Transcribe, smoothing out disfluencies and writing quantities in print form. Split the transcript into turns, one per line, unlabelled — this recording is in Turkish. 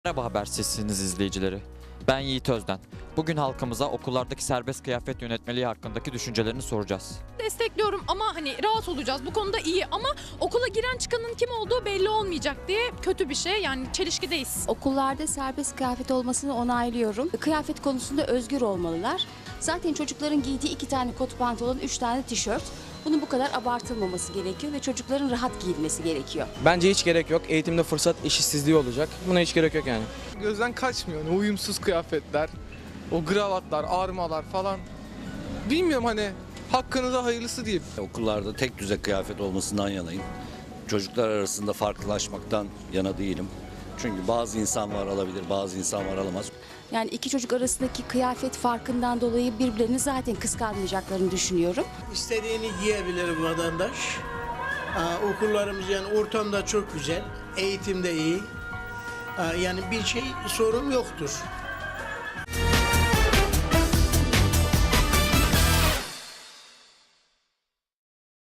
Merhaba Haber Sesiniz izleyicileri. Ben Yiğit Özden. Bugün halkımıza okullardaki serbest kıyafet yönetmeliği hakkındaki düşüncelerini soracağız.
Destekliyorum ama hani rahat olacağız. Bu konuda iyi ama okula giren çıkanın kim olduğu belli olmayacak diye kötü bir şey. Yani çelişkideyiz.
Okullarda serbest kıyafet olmasını onaylıyorum. Kıyafet konusunda özgür olmalılar. Zaten çocukların giydiği 2 tane kot pantolon, 3 tane tişört. Bunun bu kadar abartılmaması gerekiyor ve çocukların rahat giyinmesi gerekiyor.
Bence hiç gerek yok. Eğitimde fırsat eşitsizliği olacak. Buna hiç gerek yok yani.
Gözden kaçmıyor. Hani uyumsuz kıyafetler, o kravatlar, armalar falan. Bilmiyorum hani hakkınıza hayırlısı diyeyim.
Okullarda tek düze kıyafet olmasından yanayım. Çocuklar arasında farklılaşmaktan yana değilim. Çünkü bazı insan var alabilir, bazı insan var alamaz.
Yani 2 çocuk arasındaki kıyafet farkından dolayı birbirlerini zaten kıskanmayacaklarını düşünüyorum.
İstediğini giyebilir bu vatandaş. Okullarımız yani ortamda çok güzel, eğitimde iyi. Yani bir sorun yoktur.